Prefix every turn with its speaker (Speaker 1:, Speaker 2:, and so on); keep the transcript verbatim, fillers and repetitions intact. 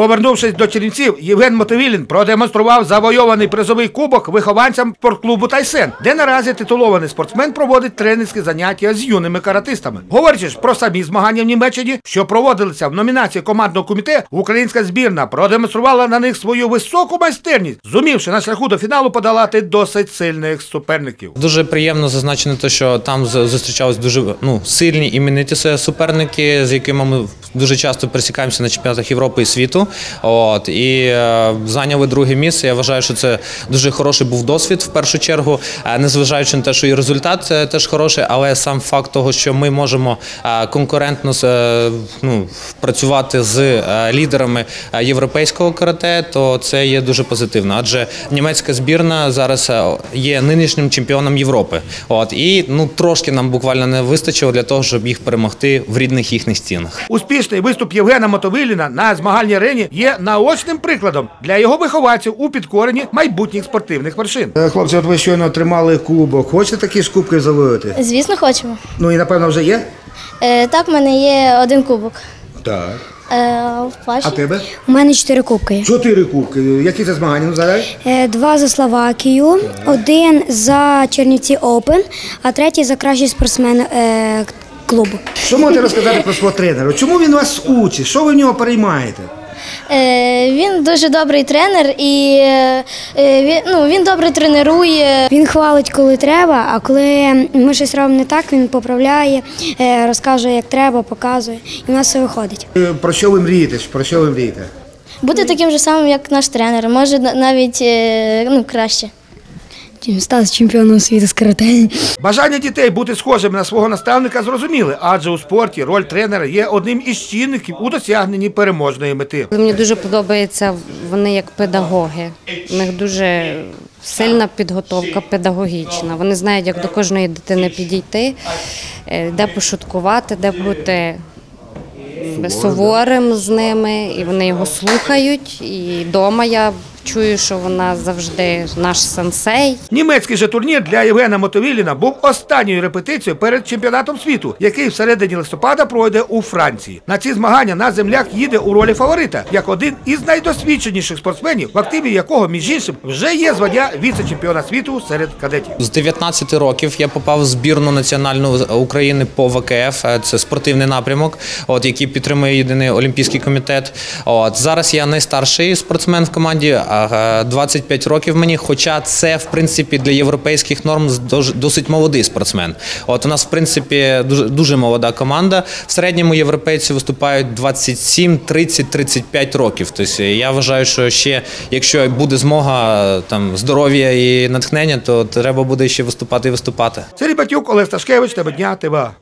Speaker 1: Повернувшись до Чернівців, Євген Мотовилін продемонстрував завойований призовий кубок вихованцям спортклубу «Тайсен», де наразі титулований спортсмен проводить тренерські заняття з юними каратистами. Говорячи ж про самі змагання в Німеччині, що проводилися в номінації командного комітету, українська збірна продемонструвала на них свою високу майстерність, зумівши на шляху до фіналу подолати досить сильних суперників.
Speaker 2: Дуже приємно зазначено те, що там зустрічались дуже ну, сильні імениті суперники, з якими ми дуже часто пересікаємося на чемпіонатах Європи і світу. От, і е, зайняли друге місце. Я вважаю, що це дуже хороший був досвід в першу чергу, незважаючи на те, що і результат теж хороший, але сам факт того, що ми можемо е, конкурентно е, ну, працювати з е, лідерами європейського карате, то це є дуже позитивно. Адже німецька збірна зараз є нинішнім чемпіоном Європи. От, і ну, трошки нам буквально не вистачило для того, щоб їх перемогти в рідних їхніх стінах.
Speaker 1: Успішний виступ Євгена Мотовиліна на змагальній арені є наочним прикладом для його вихованців у підкоренні майбутніх спортивних вершин. Хлопці, от ви щойно отримали кубок. Хочете такі ж кубки завоювати?
Speaker 3: Звісно, хочемо.
Speaker 1: Ну і напевно вже є?
Speaker 3: Е, так, в мене є один кубок.
Speaker 1: Так.
Speaker 3: Е,
Speaker 1: а тебе?
Speaker 4: У мене чотири кубки.
Speaker 1: Чотири кубки. Які це змагання? Ну, задай?
Speaker 4: Е, два за Словакію, так. Один за Чернівці Open, а третій за кращий спортсмен е, клубу.
Speaker 1: Що можете розказати про свого тренера? Чому він вас учить? Що ви в нього переймаєте?
Speaker 3: Е, він дуже добрий тренер і е, він, ну, він добре тренує.
Speaker 4: Він хвалить, коли треба, а коли ми щось робимо не так, він поправляє, е, розкаже, як треба, показує, і в нас все виходить.
Speaker 1: Про що ви мрієте? Про що ви мрієте?
Speaker 3: Бути таким же самим, як наш тренер, може навіть е, ну, краще.
Speaker 4: Стати чемпіоном світу з карате.
Speaker 1: Бажання дітей бути схожими на свого наставника зрозуміли, адже у спорті роль тренера є одним із чинників у досягненні переможної мети.
Speaker 5: Мені дуже подобається вони як педагоги. У них дуже сильна підготовка педагогічна. Вони знають, як до кожної дитини підійти, де пошуткувати, де бути суворим з ними, і вони його слухають. І вдома я чую, що вона завжди наш сенсей.
Speaker 1: Німецький же турнір для Євгена Мотовиліна був останньою репетицією перед чемпіонатом світу, який всередині листопада пройде у Франції. На ці змагання наш земляк їде у ролі фаворита, як один із найдосвідченіших спортсменів, в активі якого, між іншим, вже є звання віце-чемпіона світу серед кадетів.
Speaker 2: З дев'ятнадцяти років я попав в збірну національну України по В К Ф, це спортивний напрямок, от, який підтримує єдиний олімпійський комітет. От, зараз я найстарший спортсмен в команді, двадцять п'ять років мені, хоча це, в принципі, для європейських норм досить молодий спортсмен. От у нас, в принципі, дуже, дуже молода команда. В середньому європейці виступають двадцять сім, тридцять, тридцять п'ять років. Тобто я вважаю, що ще, якщо буде змога, там, здоров'я і натхнення, то треба буде ще виступати і виступати.
Speaker 1: Сергій Батюк, Олег Сташкевич, Тема дня, Т В А.